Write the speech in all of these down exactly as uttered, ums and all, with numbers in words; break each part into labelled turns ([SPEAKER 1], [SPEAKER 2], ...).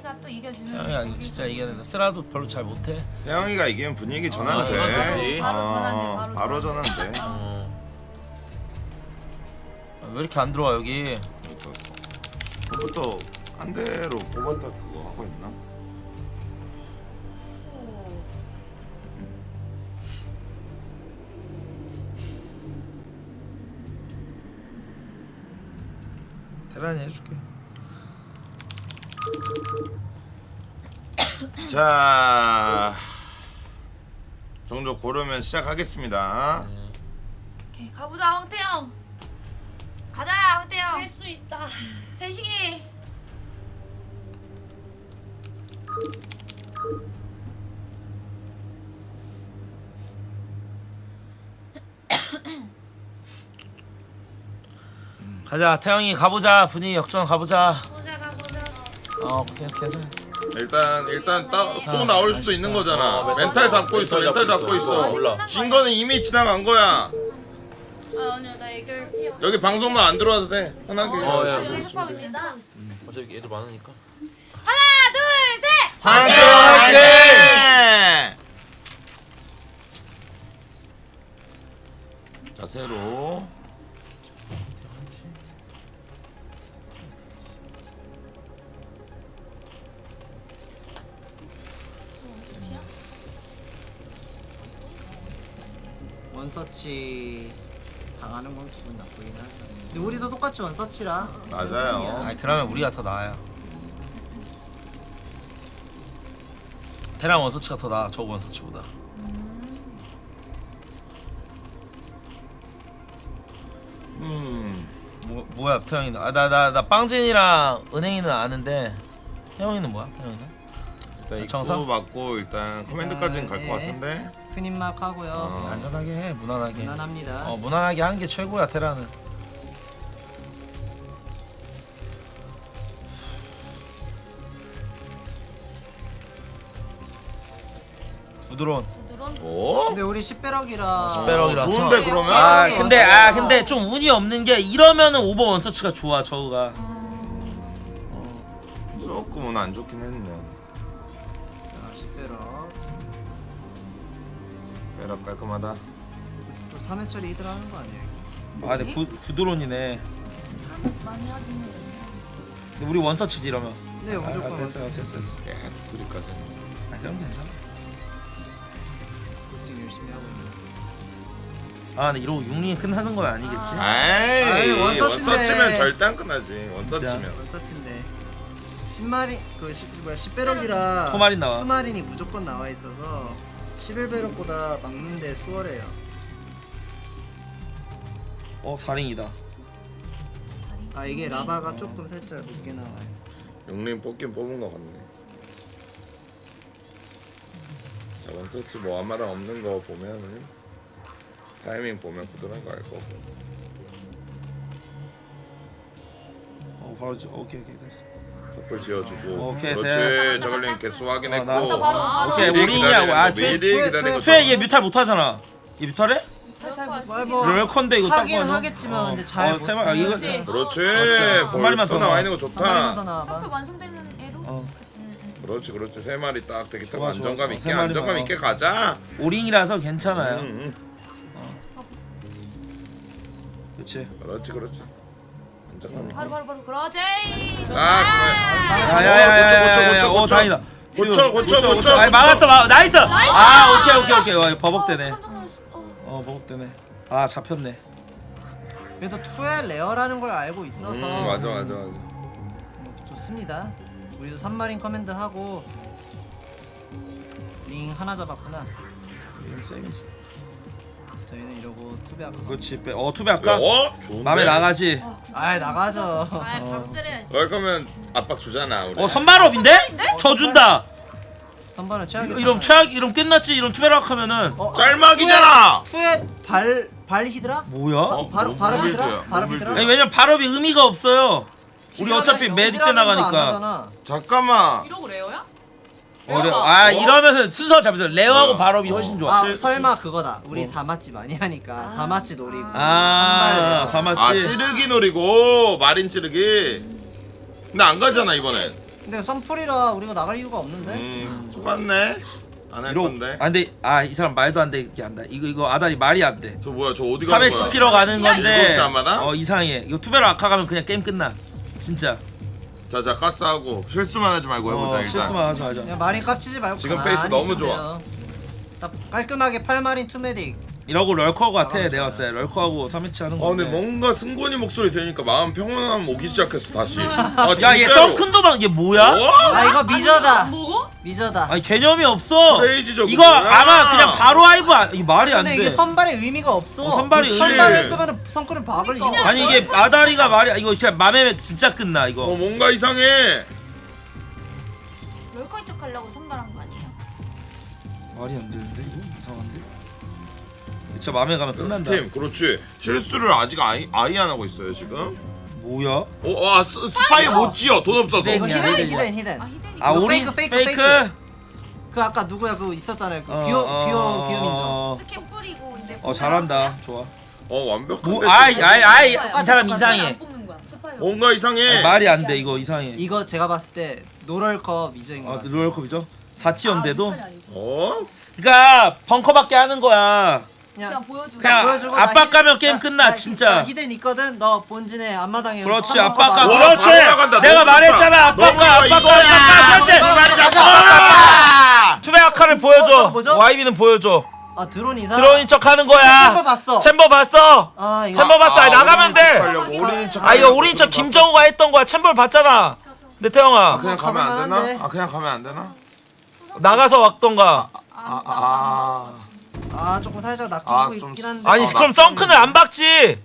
[SPEAKER 1] 태영이가 또 이겨주는.
[SPEAKER 2] 태영이가 이거 진짜 이겨야 된다. 쓰라도 별로 잘 못해.
[SPEAKER 3] 태영이가 이기면 분위기 전환
[SPEAKER 4] 아,
[SPEAKER 3] 돼.
[SPEAKER 4] 전환되지.
[SPEAKER 1] 바로 전환돼,
[SPEAKER 3] 어,
[SPEAKER 1] 바로
[SPEAKER 3] 바로 전환
[SPEAKER 1] 전환돼.
[SPEAKER 3] 돼.
[SPEAKER 4] 어.
[SPEAKER 2] 아, 왜 이렇게 안 들어와 여기?
[SPEAKER 3] 그것부터 한 대로 뽑았다 그거 하고 있나?
[SPEAKER 2] 테란이 해줄게.
[SPEAKER 3] 자, 종족 고르면 시작하겠습니다.
[SPEAKER 1] 오케이 가보자 황태영. 가자 황태영.
[SPEAKER 5] 할 수 있다.
[SPEAKER 1] 대식이.
[SPEAKER 2] 가자 태영이 가보자. 분위기 역전 가보자.
[SPEAKER 5] 보자 가보자.
[SPEAKER 2] 어 고생했어 괜찮아.
[SPEAKER 3] 일단 일단 따, 또
[SPEAKER 2] 아,
[SPEAKER 3] 나올 수도 있는 거잖아.
[SPEAKER 4] 어,
[SPEAKER 3] 멘탈 잡고 있어. 멘탈 잡고 있어.
[SPEAKER 4] 몰라.
[SPEAKER 3] 진 거는 이미 지나간 거야.
[SPEAKER 5] 아 아니야 나 애결.
[SPEAKER 3] 여기 방송만 안 들어와도 돼. 편하게.
[SPEAKER 4] 어, 야.
[SPEAKER 1] 지금 연습하고 있어. 연습하고 있어.
[SPEAKER 4] 어차피 애들 많으니까.
[SPEAKER 1] 하나 둘 셋.
[SPEAKER 3] 화이팅! 화이팅! 자세로.
[SPEAKER 6] 원서치 당하는 건 기분 나쁘긴 하죠. 근데 우리도 똑같이 원서치라.
[SPEAKER 3] 맞아요.
[SPEAKER 2] 아니 그러면 우리가 더 나아요. 테란 원서치가 더 나아. 저 원서치보다.
[SPEAKER 3] 음.
[SPEAKER 2] 뭐 뭐야 태영이는? 아나 나 나 빵진이랑 은행이는 아는데 태영이는 뭐야? 태영이는?
[SPEAKER 3] 일단
[SPEAKER 2] 정상?
[SPEAKER 3] 입구 맞고 일단 커맨드까지는 갈 것
[SPEAKER 6] 네.
[SPEAKER 3] 같은데.
[SPEAKER 6] 트님막 하고요.
[SPEAKER 3] 어.
[SPEAKER 2] 안전하게 해. 무난하게.
[SPEAKER 6] 무난합니다.
[SPEAKER 2] 어 무난하게 하는 게 최고야 테란은. 부드러운.
[SPEAKER 1] 부드러운.
[SPEAKER 3] 오?
[SPEAKER 6] 근데 우리 십배럭이라.
[SPEAKER 2] 십배럭이라서.
[SPEAKER 3] 좋은데 그러면?
[SPEAKER 2] 아
[SPEAKER 6] 어,
[SPEAKER 2] 근데
[SPEAKER 6] 맞아요.
[SPEAKER 2] 아 근데 좀 운이 없는 게 이러면은 오버 원서치가 좋아 저우가.
[SPEAKER 3] 조금은 안 좋긴 했네.
[SPEAKER 6] 자, 십배럭.
[SPEAKER 3] 빼라 깔끔하다.
[SPEAKER 6] 또 삼 회짜리 이들 하는 거 아니에요?
[SPEAKER 2] 아 근데 부 부드러운이네.
[SPEAKER 1] 사람 많이 하긴 했어.
[SPEAKER 2] 근데 우리 원서치지 이러면.
[SPEAKER 6] 네,
[SPEAKER 2] 아,
[SPEAKER 6] 무조건
[SPEAKER 2] 아, 됐어 됐어 됐어.
[SPEAKER 3] 예, 스토리까지.
[SPEAKER 2] 아 그럼 괜찮아.
[SPEAKER 6] 고생 열심히 하고 있는.
[SPEAKER 2] 아 근데 이러고 육링이 끝나는 건 아니겠지?
[SPEAKER 3] 아이,
[SPEAKER 6] 아이, 원서치인데.
[SPEAKER 3] 원서치면 절대 안 끝나지. 원서치면.
[SPEAKER 6] 원서치인데. 십마리 그 십, 뭐야 십배럭이라.
[SPEAKER 2] 투마린 나와.
[SPEAKER 6] 투마린이 무조건 나와 있어서 십일 배럭보다 막는데 수월해요.
[SPEAKER 2] 어 사링이다.
[SPEAKER 6] 아 이게 라바가 조금 살짝 높게 나와요.
[SPEAKER 3] 용림 뽑긴 뽑은 것 같네. 자, 원서치 뭐 앞마당 없는 거 보면은 타이밍 보면 부드러운 거 알 거고.
[SPEAKER 2] 어 바로 지 오케이 오케이 됐어.
[SPEAKER 3] 덮을 지어주고.
[SPEAKER 2] 오케이,
[SPEAKER 3] 그렇지.
[SPEAKER 2] 됐어.
[SPEAKER 3] 저걸링 개수
[SPEAKER 2] 어,
[SPEAKER 3] 확인했고.
[SPEAKER 2] 나왔어.
[SPEAKER 1] 바로 바로.
[SPEAKER 2] 오케이
[SPEAKER 3] 미리
[SPEAKER 2] 우링이야.
[SPEAKER 3] 기다리는
[SPEAKER 2] 아
[SPEAKER 3] 거,
[SPEAKER 2] 투에
[SPEAKER 3] 미리
[SPEAKER 6] 투에,
[SPEAKER 3] 기다리는 거.
[SPEAKER 2] 투에 얘 뮤탈 못하잖아. 얘 뮤탈해?
[SPEAKER 1] 잘
[SPEAKER 6] 뭐,
[SPEAKER 1] 못쓰긴
[SPEAKER 6] 뭐,
[SPEAKER 1] 해.
[SPEAKER 2] 럴컨데 이거 딱
[SPEAKER 6] 하긴
[SPEAKER 2] 봐도.
[SPEAKER 6] 하겠지만
[SPEAKER 2] 어,
[SPEAKER 6] 근데 잘
[SPEAKER 2] 어, 세 마- 아,
[SPEAKER 6] 못
[SPEAKER 2] 이거
[SPEAKER 1] 쓰지.
[SPEAKER 3] 그렇지.
[SPEAKER 2] 한 마리만
[SPEAKER 3] 벌써
[SPEAKER 2] 더
[SPEAKER 3] 나와
[SPEAKER 2] 나와.
[SPEAKER 3] 있는 거
[SPEAKER 6] 한 마리만 더
[SPEAKER 3] 좋다.
[SPEAKER 6] 나와봐.
[SPEAKER 1] 서플 완성되는 애로
[SPEAKER 2] 어.
[SPEAKER 1] 같이.
[SPEAKER 3] 그렇지, 그렇지. 세 마리 딱 되게 딱
[SPEAKER 2] 좋아,
[SPEAKER 3] 안정감
[SPEAKER 2] 좋아, 좋아.
[SPEAKER 3] 있게
[SPEAKER 2] 세 마리만,
[SPEAKER 3] 안정감
[SPEAKER 2] 어.
[SPEAKER 3] 있게 가자.
[SPEAKER 2] 오링이라서 괜찮아요.
[SPEAKER 3] 응,
[SPEAKER 2] 그렇지.
[SPEAKER 3] 응. 그렇지, 그렇지. 안정감 있게.
[SPEAKER 1] 바로 바로 바로 그러지.
[SPEAKER 3] 아,
[SPEAKER 2] 야야야야야.
[SPEAKER 3] 고쳐, 고쳐,
[SPEAKER 2] 어
[SPEAKER 3] 고쳐.
[SPEAKER 2] 다행이다.
[SPEAKER 3] 고쳐, 고쳐, 고쳐.
[SPEAKER 2] 아니 막았어 막 나이스.
[SPEAKER 1] 나이스!
[SPEAKER 2] 아 오케이 오케이 오케이. 와, 버벅대네.
[SPEAKER 1] 어, 깜짝 놀랐어. 어.
[SPEAKER 2] 어 버벅대네. 아 잡혔네.
[SPEAKER 6] 그래도 투에 레어라는 걸 알고 있어서
[SPEAKER 3] 음, 맞아, 맞아, 맞아.
[SPEAKER 6] 뭐 좋습니다. 우리도 삼마린 커맨드 하고 링 하나 잡았구나.
[SPEAKER 2] 이름 쌤이지.
[SPEAKER 6] 저희는 이러고 투배 할까?
[SPEAKER 2] 그렇지. 빼. 어 투배 할까?
[SPEAKER 3] 어? 좋은데?
[SPEAKER 2] 맘에 나가지.
[SPEAKER 6] 아 나가죠.
[SPEAKER 1] 아, 밥쓰려야지.
[SPEAKER 3] 그럴 거면 압박 주잖아, 우리.
[SPEAKER 2] 어 선발업인데? 저 준다.
[SPEAKER 6] 선발은 최악이.
[SPEAKER 2] 이럼 최악 이름 끝났지. 이름 투배락 하면은
[SPEAKER 6] 어,
[SPEAKER 3] 짤막이잖아.
[SPEAKER 6] 투에 발발 히드라?
[SPEAKER 2] 뭐야?
[SPEAKER 6] 어, 바로 바로
[SPEAKER 3] 뭐
[SPEAKER 6] 히드라?
[SPEAKER 3] 빌드야,
[SPEAKER 6] 바로
[SPEAKER 3] 뭐
[SPEAKER 6] 히드라?
[SPEAKER 2] 아니 왜냐면 발업이 의미가 없어요. 우리 어차피 매직 때 나가니까.
[SPEAKER 6] 나가니까.
[SPEAKER 3] 잠깐만.
[SPEAKER 5] 이러고 레어야?
[SPEAKER 2] 어려. 아 이러면은 순서 잡으세요. 레어하고
[SPEAKER 3] 어.
[SPEAKER 2] 발업이 훨씬 좋아.
[SPEAKER 6] 아
[SPEAKER 3] 실-
[SPEAKER 6] 설마 그거다. 우리
[SPEAKER 2] 어.
[SPEAKER 6] 사마치 많이 하니까 사마치 노리고.
[SPEAKER 2] 아
[SPEAKER 6] 선발 레어.
[SPEAKER 3] 아,
[SPEAKER 2] 사맞지.
[SPEAKER 3] 찌르기 노리고 마린 찌르기. 근데 안 가잖아, 이번엔.
[SPEAKER 6] 근데 선풀이라 우리가 나갈 이유가 없는데.
[SPEAKER 3] 음 속았네. 안 할
[SPEAKER 2] 이러
[SPEAKER 3] 건데.
[SPEAKER 2] 아 근데 아 이 사람 말도 안 되게 한다. 이거 이거 아다리 말이 안 돼.
[SPEAKER 3] 저 뭐야 저 어디 가는
[SPEAKER 2] 삼회
[SPEAKER 3] 거야?
[SPEAKER 2] 치피러 가는 건데
[SPEAKER 3] 일곱 시 안마당?
[SPEAKER 2] 어 이상해. 이거 투배로 아카 가면 그냥 게임 끝나. 진짜.
[SPEAKER 3] 자자 가스하고 실수만 하지 말고 해보자
[SPEAKER 2] 어,
[SPEAKER 3] 일단.
[SPEAKER 2] 실수만 하지 말자.
[SPEAKER 6] 그냥 마린 깝치지 말고.
[SPEAKER 3] 지금
[SPEAKER 6] 가만히
[SPEAKER 3] 페이스 너무
[SPEAKER 6] 있으면
[SPEAKER 3] 좋아.
[SPEAKER 6] 돼요. 딱 깔끔하게 팔 마린 투 메딕.
[SPEAKER 2] 이러고 럴커 같아.
[SPEAKER 6] 나가면
[SPEAKER 2] 내가
[SPEAKER 6] 좋아요.
[SPEAKER 2] 봤을 때 럴커하고 삼 회치 하는
[SPEAKER 3] 아
[SPEAKER 2] 건데.
[SPEAKER 3] 근데 뭔가 승곤이 목소리 들으니까 마음 평온함 오기 시작했어 다시. 아
[SPEAKER 2] 야 얘
[SPEAKER 3] 진짜로.
[SPEAKER 2] 썬큰도방 얘 뭐야?
[SPEAKER 3] 어?
[SPEAKER 6] 아 이거 미저다.
[SPEAKER 5] 뭐고?
[SPEAKER 6] 미저다.
[SPEAKER 2] 아니 개념이 없어.
[SPEAKER 3] 크레이지죠,
[SPEAKER 2] 이거
[SPEAKER 3] 그거야.
[SPEAKER 2] 아마 그냥 바로 하이브 아, 이게 말이 안
[SPEAKER 6] 근데
[SPEAKER 2] 돼.
[SPEAKER 6] 이게 선발의 의미가 없어.
[SPEAKER 2] 어, 선발이
[SPEAKER 6] 그
[SPEAKER 3] 의미-
[SPEAKER 6] 선발을 쓰면은 성크를 박을
[SPEAKER 5] 그러니까.
[SPEAKER 6] 이유가
[SPEAKER 2] 아니
[SPEAKER 6] 없어.
[SPEAKER 2] 이게 아다리가 말이 이거 진짜 맘에 진짜 끝나 이거.
[SPEAKER 3] 어 뭔가 이상해.
[SPEAKER 1] 럴커인 척 하려고 선발한 거 아니에요?
[SPEAKER 2] 말이 안 되는데 이거 이상한데. 진짜 맘에 가면 끝난다.
[SPEAKER 3] 스팀 그렇지. 실수를 아직 아이 아이 안 하고 있어요 지금.
[SPEAKER 2] 뭐야?
[SPEAKER 3] 오, 아 스, 스파이 못 지어 돈 없어서.
[SPEAKER 2] 네,
[SPEAKER 6] 이거
[SPEAKER 2] 그냥
[SPEAKER 6] 히든
[SPEAKER 2] 히든이야.
[SPEAKER 6] 히든 히든.
[SPEAKER 1] 아 히덴이
[SPEAKER 2] 아
[SPEAKER 6] 이거
[SPEAKER 2] 우리
[SPEAKER 6] 페이크,
[SPEAKER 2] 페이크.
[SPEAKER 6] 페이크, 페이크. 그 아까 누구야 그 있었잖아요. 그
[SPEAKER 2] 어,
[SPEAKER 6] 귀여
[SPEAKER 2] 어,
[SPEAKER 6] 귀여 귀여 민정.
[SPEAKER 2] 어,
[SPEAKER 1] 스캔 뿌리고 이제
[SPEAKER 2] 어 잘한다. 좋아.
[SPEAKER 3] 어 완벽한데.
[SPEAKER 2] 뭐 아이 아이 아이 이
[SPEAKER 6] 똑같아,
[SPEAKER 2] 사람
[SPEAKER 6] 똑같아.
[SPEAKER 2] 이상해.
[SPEAKER 5] 안 뽑는 거야. 스파이어.
[SPEAKER 3] 뭔가 이상해.
[SPEAKER 2] 아니, 말이 안 돼 이거 이상해.
[SPEAKER 6] 이거 제가 봤을 때 노럴컵 미저인 거
[SPEAKER 2] 아
[SPEAKER 6] 같아.
[SPEAKER 2] 롤컵이죠? 사 티어인데도.
[SPEAKER 3] 어?
[SPEAKER 2] 그러니까 벙커밖에 하는 거야.
[SPEAKER 5] 그냥 보여주고.
[SPEAKER 2] 그냥
[SPEAKER 6] 보여주고
[SPEAKER 2] 압박
[SPEAKER 6] 나 히-
[SPEAKER 2] 가면 게임
[SPEAKER 6] 나-
[SPEAKER 2] 끝나,
[SPEAKER 6] 나 히-
[SPEAKER 2] 진짜.
[SPEAKER 6] 나 히든 있거든. 너 본진에 앞마당에.
[SPEAKER 2] 그렇지
[SPEAKER 6] 어,
[SPEAKER 2] 압박 가.
[SPEAKER 6] 어,
[SPEAKER 3] 와,
[SPEAKER 2] 그렇지.
[SPEAKER 3] 바로 나간다.
[SPEAKER 2] 내가
[SPEAKER 3] 너무
[SPEAKER 2] 말했잖아
[SPEAKER 3] 좋다.
[SPEAKER 2] 압박
[SPEAKER 3] 너무
[SPEAKER 2] 가 압박 가
[SPEAKER 3] 이거야.
[SPEAKER 2] 압박 가. 그렇지.
[SPEAKER 3] 너무 많이
[SPEAKER 6] 가자.
[SPEAKER 3] 잡아.
[SPEAKER 2] 투배 아카를
[SPEAKER 6] 어,
[SPEAKER 2] 보여줘.
[SPEAKER 6] 뭐죠?
[SPEAKER 2] 와이비는 보여줘.
[SPEAKER 6] 아 드론 이상.
[SPEAKER 2] 드론인 척 하는 거야.
[SPEAKER 6] 챔버 봤어.
[SPEAKER 2] 챔버 봤어.
[SPEAKER 6] 아 이거.
[SPEAKER 2] 챔버 봤어. 아니, 나가면 돼.
[SPEAKER 3] 올인인 척.
[SPEAKER 2] 아 이거 우리 저 김정우가 했던 거야. 챔버를 봤잖아. 근데 태영아
[SPEAKER 3] 아 그냥 가면 안 되나?
[SPEAKER 6] 가볼만한데.
[SPEAKER 3] 아 그냥 가면 안 되나?
[SPEAKER 2] 나가서 왔던가.
[SPEAKER 3] 아 아.
[SPEAKER 6] 아 조금 살짝 낚이고
[SPEAKER 3] 아, 좀
[SPEAKER 6] 있긴 한데.
[SPEAKER 2] 아니
[SPEAKER 3] 어,
[SPEAKER 2] 그럼
[SPEAKER 3] 나-
[SPEAKER 2] 썬큰을 안 박지.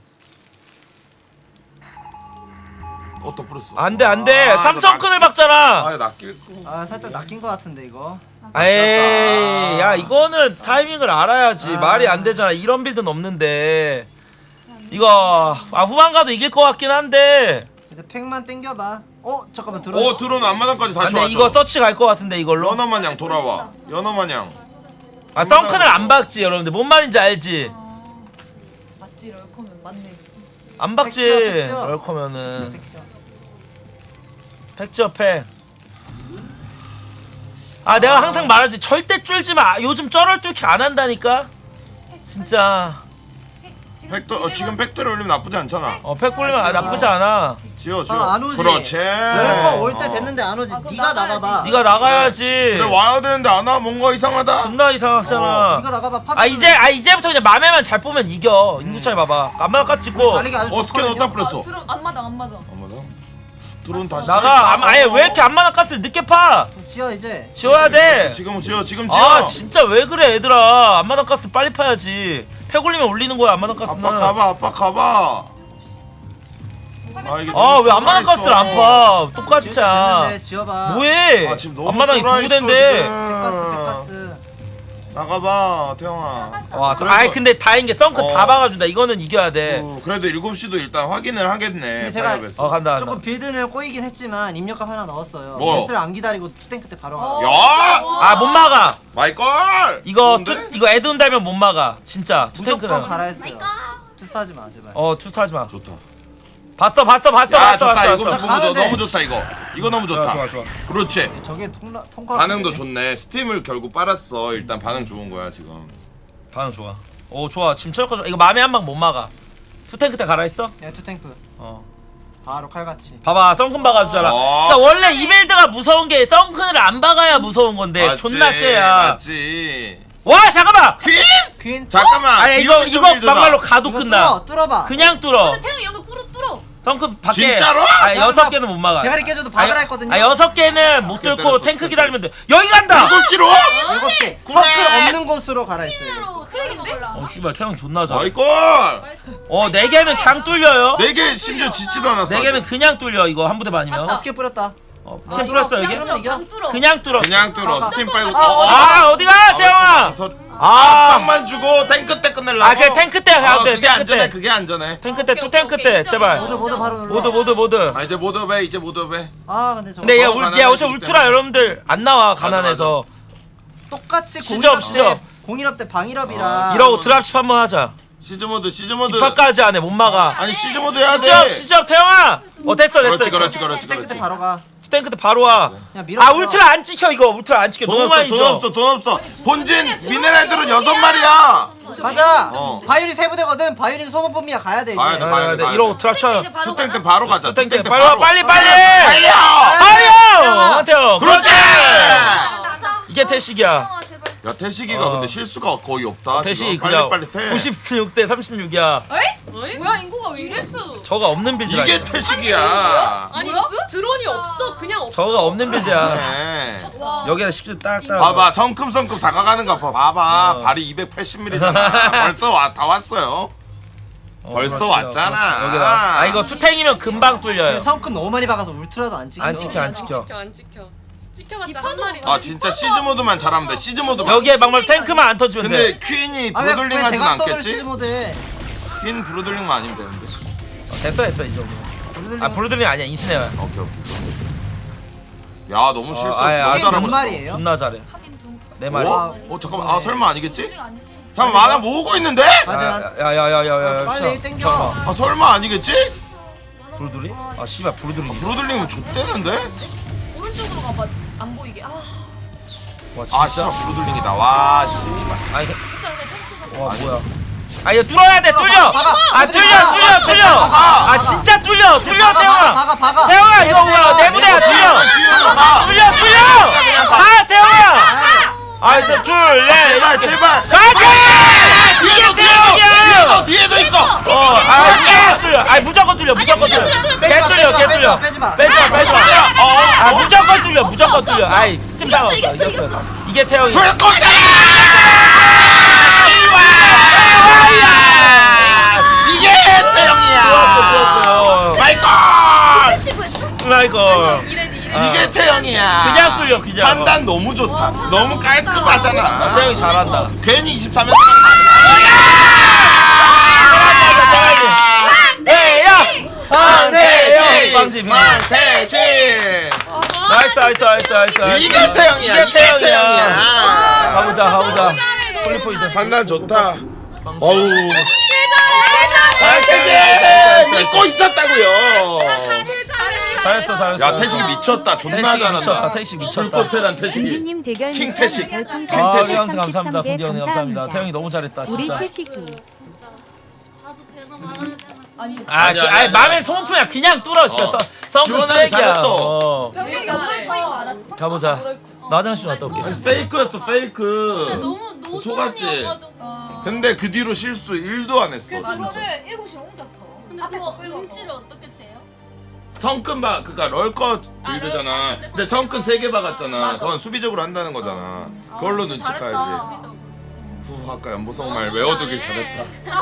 [SPEAKER 3] 어또 풀었어.
[SPEAKER 2] 안돼 안돼.
[SPEAKER 3] 아,
[SPEAKER 2] 삼성큰을
[SPEAKER 3] 이거
[SPEAKER 2] 박잖아.
[SPEAKER 3] 낚- 아 낚일 거.
[SPEAKER 6] 아 살짝 낚인 거 같은데 이거.
[SPEAKER 2] 에이 야 이거는 타이밍을 알아야지.
[SPEAKER 6] 아.
[SPEAKER 2] 말이 안 되잖아. 이런 빌드는 없는데. 이거 아 후반 가도 이길 것 같긴 한데.
[SPEAKER 6] 이제 팩만 땡겨봐. 어 잠깐만 들어.
[SPEAKER 3] 오 드론 앞마당까지 다시
[SPEAKER 2] 근데
[SPEAKER 3] 왔죠.
[SPEAKER 2] 이거 서치 갈 것 같은데 이걸로.
[SPEAKER 3] 연어 마냥 돌아와. 연어 마냥.
[SPEAKER 2] 아 썬큰을 안 박지 여러분들. 뭔 말인지 알지?
[SPEAKER 5] 아, 맞지 럴커면 맞네.
[SPEAKER 2] 안 박지.
[SPEAKER 6] 팩치야, 팩치야.
[SPEAKER 2] 럴커면은
[SPEAKER 6] 팩치야.
[SPEAKER 2] 팩지어 팩. 아 내가 항상 말하지 절대 쫄지 마. 요즘 쩔을 뚫기 안 한다니까. 진짜.
[SPEAKER 3] 팩도 어, 지금 팩토리 올리면 나쁘지 않잖아.
[SPEAKER 2] 어 팩 굴리면 아, 나쁘지 않아.
[SPEAKER 3] 지어 지어.
[SPEAKER 6] 아, 안 오지.
[SPEAKER 3] 그렇지.
[SPEAKER 6] 럴커 올 때
[SPEAKER 3] 어.
[SPEAKER 6] 됐는데 안 오지.
[SPEAKER 5] 아, 그럼
[SPEAKER 6] 네가
[SPEAKER 5] 나가야지.
[SPEAKER 6] 나가봐.
[SPEAKER 2] 네가 나가야지.
[SPEAKER 3] 그래 와야 되는데 안 와. 뭔가 이상하다.
[SPEAKER 2] 존나 이상하잖아.
[SPEAKER 6] 네가 나가봐. 팝.
[SPEAKER 2] 아 이제 아 이제부터 그냥 맘에만 잘 보면 이겨. 인구차이 봐봐. 안마나 까 찍고
[SPEAKER 6] 달리기 아주
[SPEAKER 3] 어 스캔
[SPEAKER 6] 좋거든요.
[SPEAKER 3] 어디다 뿌렸어?
[SPEAKER 5] 들어 안 맞아 안 맞아.
[SPEAKER 3] 엄마다. 드론 다시.
[SPEAKER 2] 나가. 아, 아예 왜 이렇게 안마나 가스를 늦게 파?
[SPEAKER 6] 지어 이제.
[SPEAKER 2] 지워야 돼.
[SPEAKER 3] 지금 지어 지금 지어.
[SPEAKER 2] 아 진짜 왜 그래 얘들아. 안마나 가스 빨리 파야지. 팩 올리면 올리는 거야 안마나 가스는.
[SPEAKER 3] 아빠 가봐 아빠 가봐. 아 이게
[SPEAKER 2] 아 왜 안마나
[SPEAKER 3] 있어.
[SPEAKER 2] 가스를 안 파?
[SPEAKER 6] 지을 때
[SPEAKER 2] 똑같이야.
[SPEAKER 6] 됐는데 지어봐.
[SPEAKER 2] 뭐해?
[SPEAKER 3] 아 지금 너무
[SPEAKER 2] 안마당이
[SPEAKER 3] 쫄아
[SPEAKER 2] 두
[SPEAKER 3] 있어,
[SPEAKER 2] 대인데.
[SPEAKER 3] 지금.
[SPEAKER 6] 백가스 백가스.
[SPEAKER 3] 나가봐 태영아.
[SPEAKER 2] 와,
[SPEAKER 3] 그래도-
[SPEAKER 2] 아이 근데 다행인 게 썬큰
[SPEAKER 3] 어.
[SPEAKER 2] 다 박아준다. 이거는 이겨야 돼.
[SPEAKER 3] 어, 그래도 일곱 시도 일단 확인을 하겠네.
[SPEAKER 6] 근데 제가-
[SPEAKER 3] 파이어베이스.
[SPEAKER 2] 어 간다 간다.
[SPEAKER 6] 조금 빌드는 꼬이긴 했지만 입력값 하나 넣었어요.
[SPEAKER 3] 뭐?
[SPEAKER 6] 베스를 안 기다리고 투탱크 때 바로 가.
[SPEAKER 3] 야!
[SPEAKER 2] 아 못 막아.
[SPEAKER 3] 마이걸!
[SPEAKER 2] 이거
[SPEAKER 3] 좋은데?
[SPEAKER 2] 투, 이거 에드운 달면 못 막아. 진짜 투탱크는.
[SPEAKER 6] 무조건 갈아 했어요.
[SPEAKER 1] 마이갓.
[SPEAKER 6] 투스하지 마 제발.
[SPEAKER 2] 어 투스하지 마.
[SPEAKER 3] 좋다.
[SPEAKER 2] 봤어 봤어 봤어
[SPEAKER 3] 야
[SPEAKER 2] 봤어
[SPEAKER 3] 좋다
[SPEAKER 2] 봤어.
[SPEAKER 3] 이거
[SPEAKER 2] 봤어.
[SPEAKER 3] 너무 좋아
[SPEAKER 6] 가는데.
[SPEAKER 3] 너무 좋다 이거. 이거 너무 좋다.
[SPEAKER 2] 좋아 좋아 좋아.
[SPEAKER 3] 그렇지.
[SPEAKER 6] 저게 통과 통과.
[SPEAKER 3] 반응도 좋네. 스팀을 결국 빨았어. 일단 반응 좋은 거야 지금.
[SPEAKER 2] 반응 좋아. 오 좋아. 지금 철거 좋아. 이거 맘에 한 방 못 막아. 투탱크 때 갈아 있어?
[SPEAKER 6] 야 투탱크.
[SPEAKER 2] 어.
[SPEAKER 6] 바로 칼같이.
[SPEAKER 2] 봐봐 썬큰 박아주잖아.
[SPEAKER 3] 어.
[SPEAKER 2] 그러니까 원래 이 빌드가 무서운 게 썬큰을 안 박아야 무서운 건데
[SPEAKER 3] 맞지,
[SPEAKER 2] 존나 째야.
[SPEAKER 3] 맞지.
[SPEAKER 2] 와 잠깐만.
[SPEAKER 3] 퀸?
[SPEAKER 6] 퀸.
[SPEAKER 3] 잠깐만.
[SPEAKER 2] 아니 이거
[SPEAKER 3] 기억이
[SPEAKER 2] 이거
[SPEAKER 3] 좀 밀더라.
[SPEAKER 2] 막말로 가도
[SPEAKER 6] 이거
[SPEAKER 2] 끝나.
[SPEAKER 6] 뚫어 뚫어봐.
[SPEAKER 2] 그냥 뚫어.
[SPEAKER 5] 근데 태형 여기 뚫어 뚫어.
[SPEAKER 2] 썬큰 밖에.
[SPEAKER 3] 진짜로?
[SPEAKER 2] 아 여섯 개는 못 막아.
[SPEAKER 6] 대가리 깨져도 박으라 했거든요.
[SPEAKER 2] 아 여섯 개는 못 뚫고
[SPEAKER 3] 때렸어,
[SPEAKER 2] 탱크
[SPEAKER 3] 스텝
[SPEAKER 2] 기다리면 돼. 여기 간다.
[SPEAKER 3] 일곱 시로?
[SPEAKER 6] 일곱 시.
[SPEAKER 3] 그래.
[SPEAKER 6] 서클 없는 곳으로 갈아 있어요.
[SPEAKER 1] 로 크랙인데?
[SPEAKER 2] 어 씨발 태형 존나 잘해.
[SPEAKER 3] 마이걸!
[SPEAKER 2] 어네 개는 그냥 뚫려요.
[SPEAKER 3] 네 개 심지어 짓지도 않았어.
[SPEAKER 2] 네 개는 그냥 뚫려 이거 한 부대 반이면.
[SPEAKER 6] 어, 스케 뿌렸다.
[SPEAKER 2] 어
[SPEAKER 6] 아,
[SPEAKER 2] 스캔
[SPEAKER 6] 이거
[SPEAKER 2] 뚫었어
[SPEAKER 6] 그냥
[SPEAKER 2] 여기?
[SPEAKER 6] 뚫어. 이겨?
[SPEAKER 5] 강 뚫어.
[SPEAKER 2] 그냥 뚫어.
[SPEAKER 3] 그냥 뚫어.
[SPEAKER 6] 아,
[SPEAKER 3] 스팀
[SPEAKER 5] 아,
[SPEAKER 3] 빨고.
[SPEAKER 5] 아,
[SPEAKER 3] 어, 어.
[SPEAKER 2] 아 어디가 태형아?
[SPEAKER 3] 아,
[SPEAKER 2] 아,
[SPEAKER 3] 빵만 주고 탱크 때 끝내려고.
[SPEAKER 2] 아 그냥 탱크 때
[SPEAKER 3] 아,
[SPEAKER 2] 가도 돼.
[SPEAKER 3] 그게
[SPEAKER 2] 탱크
[SPEAKER 3] 안전해.
[SPEAKER 2] 때.
[SPEAKER 3] 그게 안전해.
[SPEAKER 2] 탱크 때
[SPEAKER 5] 오케이,
[SPEAKER 2] 투 탱크
[SPEAKER 5] 오케이,
[SPEAKER 2] 때
[SPEAKER 5] 오케이.
[SPEAKER 2] 제발.
[SPEAKER 6] 모두 모두 바로 눌러.
[SPEAKER 2] 모두 모두 모두.
[SPEAKER 3] 아 이제 모두 배 이제 모두 배.
[SPEAKER 6] 아 근데 저거
[SPEAKER 2] 근데 얘
[SPEAKER 3] 어,
[SPEAKER 2] 울, 얘
[SPEAKER 3] 가난하기
[SPEAKER 2] 어차피 울트라
[SPEAKER 3] 때문에.
[SPEAKER 2] 여러분들 안 나와 가난해서.
[SPEAKER 6] 똑같이
[SPEAKER 2] 시접,
[SPEAKER 6] 공일업 때
[SPEAKER 2] 시접.
[SPEAKER 6] 공일업 때 방일업이라.
[SPEAKER 3] 아,
[SPEAKER 2] 이러고 드랍십 한번 하자.
[SPEAKER 3] 시즈 모드 시즈 모드.
[SPEAKER 2] 뒷판까지 안 해 못 막아.
[SPEAKER 3] 아니 시즈 모드 해야 돼.
[SPEAKER 2] 시접 시접 태형아. 어 됐어 됐어.
[SPEAKER 3] 그렇지
[SPEAKER 2] 됐어.
[SPEAKER 3] 그렇지 그렇지
[SPEAKER 6] 투탱크 때
[SPEAKER 3] 그렇지.
[SPEAKER 6] 바로 가.
[SPEAKER 2] 탱크 때 바로 와.
[SPEAKER 6] 그냥 밀어.
[SPEAKER 2] 아 울트라 안 찍혀 이거. 울트라 안 찍혀.
[SPEAKER 3] 돈
[SPEAKER 2] 너무
[SPEAKER 3] 없어
[SPEAKER 2] 많이
[SPEAKER 3] 돈
[SPEAKER 2] 줘.
[SPEAKER 3] 없어 돈 없어. 본진 미네랄들은 여섯 마리야.
[SPEAKER 6] 가자.
[SPEAKER 3] 어.
[SPEAKER 6] 바이올린 세 부대거든. 바이올린 소모품이야 가야 돼 이제.
[SPEAKER 3] 가야 돼,
[SPEAKER 2] 아,
[SPEAKER 3] 가야
[SPEAKER 2] 네,
[SPEAKER 3] 돼, 가야
[SPEAKER 2] 이러고
[SPEAKER 3] 돼.
[SPEAKER 2] 트랍쳐.
[SPEAKER 1] 이제 바로
[SPEAKER 3] 투탱 때
[SPEAKER 1] 가나?
[SPEAKER 3] 바로 가자.
[SPEAKER 2] 탱크
[SPEAKER 3] 투탱 때
[SPEAKER 2] 빨리 와
[SPEAKER 3] 바로.
[SPEAKER 2] 빨리 빨리.
[SPEAKER 3] 달려.
[SPEAKER 2] 빨리요. 한테요.
[SPEAKER 3] 그렇지.
[SPEAKER 1] 나가.
[SPEAKER 2] 이게 태식이야.
[SPEAKER 1] 아 제발.
[SPEAKER 3] 야 태식이가
[SPEAKER 2] 어.
[SPEAKER 3] 근데 실수가 거의 없다.
[SPEAKER 2] 태식
[SPEAKER 3] 지금.
[SPEAKER 2] 그냥
[SPEAKER 3] 빨리 빨리 태.
[SPEAKER 2] 구십육 대 삼십육이야.
[SPEAKER 5] 에이? 뭐야 인구가 왜 이랬어?
[SPEAKER 2] 저가 없는 빌드라.
[SPEAKER 3] 이게
[SPEAKER 2] 이거.
[SPEAKER 3] 태식이야.
[SPEAKER 4] 아니
[SPEAKER 5] 뭐야?
[SPEAKER 4] 드론이 없어 그냥 없어.
[SPEAKER 2] 저가 없는 빌드야.
[SPEAKER 3] 네.
[SPEAKER 5] 와.
[SPEAKER 2] 여기다 식주 딱딱.
[SPEAKER 3] 봐봐 성큼성큼 다가가는 거 봐. 봐봐
[SPEAKER 2] 어.
[SPEAKER 3] 발이 이백팔십 밀리미터잖아. 벌써 와, 다 왔어요.
[SPEAKER 2] 어,
[SPEAKER 3] 벌써
[SPEAKER 2] 그렇지,
[SPEAKER 3] 왔잖아.
[SPEAKER 2] 그렇지. 여기다. 아 이거 투탱이면 금방 뚫려요.
[SPEAKER 6] 성큼 너무 많이 박아서 울트라도 안 찍혀.
[SPEAKER 2] 안 찍혀 안 찍혀.
[SPEAKER 4] 지켜 안 지켜. 지켜봤자 한
[SPEAKER 5] 디파도-
[SPEAKER 4] 마리.
[SPEAKER 3] 아 진짜 시즈 모드만 잘하면 돼. 시즈 모드만.
[SPEAKER 2] 여기에 막말 탱크만 안 터지면
[SPEAKER 3] 근데
[SPEAKER 2] 돼.
[SPEAKER 3] 퀸이
[SPEAKER 6] 아왜
[SPEAKER 3] 브루들링 하진
[SPEAKER 6] 대각선을 시즈
[SPEAKER 3] 않겠지?
[SPEAKER 6] 모드에.
[SPEAKER 3] 퀸 브루들링만 아니면 되는데.
[SPEAKER 2] 어, 됐어 됐어 이 정도. 아 브루들링 아니야 인스네야.
[SPEAKER 3] 오케이 오케이 그럼 됐어. 야 너무 실수.
[SPEAKER 2] 어, 아예,
[SPEAKER 3] 너무
[SPEAKER 2] 아예,
[SPEAKER 3] 잘하고
[SPEAKER 6] 몇
[SPEAKER 3] 있어.
[SPEAKER 6] 마리예요?
[SPEAKER 2] 존나 잘해.
[SPEAKER 5] 하긴 두.
[SPEAKER 2] 내 말이.
[SPEAKER 3] 어? 어 잠깐만. 아 설마 아니겠지?
[SPEAKER 5] 소리가 아니지.
[SPEAKER 3] 형 만화 모으고 있는데?
[SPEAKER 2] 야야야야야야.
[SPEAKER 6] 빨리 땡겨.
[SPEAKER 3] 아 설마 아니겠지?
[SPEAKER 2] 브루들이? 아 씨발 브루들이.
[SPEAKER 3] 브루들링은 좆대는데?
[SPEAKER 5] 오른쪽으로 가봐. 안 보이게. 아.
[SPEAKER 2] 와
[SPEAKER 3] 아
[SPEAKER 2] 진짜.
[SPEAKER 3] 씨발 브루들링이다. 와 씨발.
[SPEAKER 2] 아니
[SPEAKER 5] 진짜 근데 탱크가.
[SPEAKER 2] 와 뭐야? 아 이거 뚫어야 돼 뚫려.
[SPEAKER 6] 박아,
[SPEAKER 2] 아 뚫려 뚫려 뚫려.
[SPEAKER 3] 박아.
[SPEAKER 2] 아 진짜 뚫려 뚫려
[SPEAKER 6] 박아
[SPEAKER 2] 태영아.
[SPEAKER 6] 박아 박아.
[SPEAKER 2] 태영아 이거 뭐야 내 부대야 뚫려. 뚫려 뚫려. 아 태영아. 아 이제 둘레.
[SPEAKER 3] 제발 제발.
[SPEAKER 2] 가자.
[SPEAKER 3] 뒤에도 뒤에도
[SPEAKER 2] 태영이야.
[SPEAKER 3] 뒤에도 뒤에도 있어.
[SPEAKER 2] 어아 뚫려 뚫려. 아 무조건 뚫려 무조건 뚫려. 개 뚫려 개 뚫려.
[SPEAKER 6] 빼지 마.
[SPEAKER 2] 빼지 마 빼지 마.
[SPEAKER 3] 어.
[SPEAKER 2] 아 무조건 뚫려 무조건 뚫려. 아이 스팀
[SPEAKER 5] 이겼어,
[SPEAKER 2] 상관없어
[SPEAKER 5] 이겼어,
[SPEAKER 2] 이겼어.
[SPEAKER 5] 이겼어.
[SPEAKER 2] 이게 태영이야.
[SPEAKER 3] 불꽃다. 이게 태영이야.
[SPEAKER 2] 좋았어 좋았어요.
[SPEAKER 3] 마이콜.
[SPEAKER 5] 시브했어?
[SPEAKER 2] 라이거.
[SPEAKER 4] 이래디 이래.
[SPEAKER 2] 아.
[SPEAKER 3] 이게 태영이야.
[SPEAKER 2] 그냥 뚫려 그냥.
[SPEAKER 3] 판단 너무 좋다. 너무 깔끔하잖아.
[SPEAKER 2] 태영이 잘한다.
[SPEAKER 3] 괜히 이십삼 연
[SPEAKER 2] 태영.
[SPEAKER 3] 황태시
[SPEAKER 2] 빵집.
[SPEAKER 3] 황태시
[SPEAKER 2] 나이스 나이스 나이스 나이스. 나이스.
[SPEAKER 3] 이게 태영이야.
[SPEAKER 2] 이게 태영이야.
[SPEAKER 3] 태영이야.
[SPEAKER 2] 가보자 가보자. 폴리포이드.
[SPEAKER 3] 판단 좋다. 어우. 황태시 믿고 있었다고요.
[SPEAKER 2] 잘했어 잘했어.
[SPEAKER 3] 야 태식이 미쳤다. 존나
[SPEAKER 2] 태식이 미쳤다.
[SPEAKER 3] 잘한다.
[SPEAKER 2] 태식 미쳤다.
[SPEAKER 3] 불꽃태란 태식이.
[SPEAKER 7] 군디님 대결
[SPEAKER 3] 킹 태식.
[SPEAKER 7] 별풍선
[SPEAKER 2] 아
[SPEAKER 3] 태식.
[SPEAKER 2] 리앙스 감사합니다.
[SPEAKER 7] 삼십삼 개
[SPEAKER 2] 군디 형님 감사합니다.
[SPEAKER 7] 감사합니다.
[SPEAKER 2] 태영이 너무 잘했다
[SPEAKER 7] 우리
[SPEAKER 2] 진짜.
[SPEAKER 7] 태식이
[SPEAKER 1] 가도 되나 말아야 되나.
[SPEAKER 5] 아니.
[SPEAKER 2] 아,
[SPEAKER 3] 아니야,
[SPEAKER 2] 그,
[SPEAKER 3] 아니야,
[SPEAKER 2] 아니
[SPEAKER 3] 아니야.
[SPEAKER 2] 맘에 소모품이야. 그냥 뚫어 시켰어.
[SPEAKER 3] 어.
[SPEAKER 2] 성분
[SPEAKER 3] 지원하기
[SPEAKER 2] 쓰레기야.
[SPEAKER 3] 잘했어.
[SPEAKER 2] 어.
[SPEAKER 5] 병력이 없는 거인 거 알았어?
[SPEAKER 2] 가보자. 나 화장실 좀 갔다 올게.
[SPEAKER 3] 페이크였어 페이크.
[SPEAKER 1] 너무 너무
[SPEAKER 3] 속았지?
[SPEAKER 1] 소문이어가지고.
[SPEAKER 5] 어.
[SPEAKER 3] 근데 그 뒤로 실수 일도 안 했어.
[SPEAKER 5] 그
[SPEAKER 3] 진짜.
[SPEAKER 5] 드론을 일곱 시로 옮겼어.
[SPEAKER 1] 근데
[SPEAKER 5] 앞에
[SPEAKER 1] 그거
[SPEAKER 5] 거 끌고
[SPEAKER 1] 응치를 어떻게 재요?
[SPEAKER 3] 성큰 박 그니까 럴컷
[SPEAKER 1] 아,
[SPEAKER 3] 빌드잖아.
[SPEAKER 1] 럴컷.
[SPEAKER 3] 근데 성큰 세 개 박았잖아.
[SPEAKER 5] 맞아.
[SPEAKER 3] 그건 수비적으로 한다는 거잖아. 그걸로 눈치
[SPEAKER 5] 잘했다.
[SPEAKER 3] 까야지. 후 아까 연보성 말 외워두길 잘했다.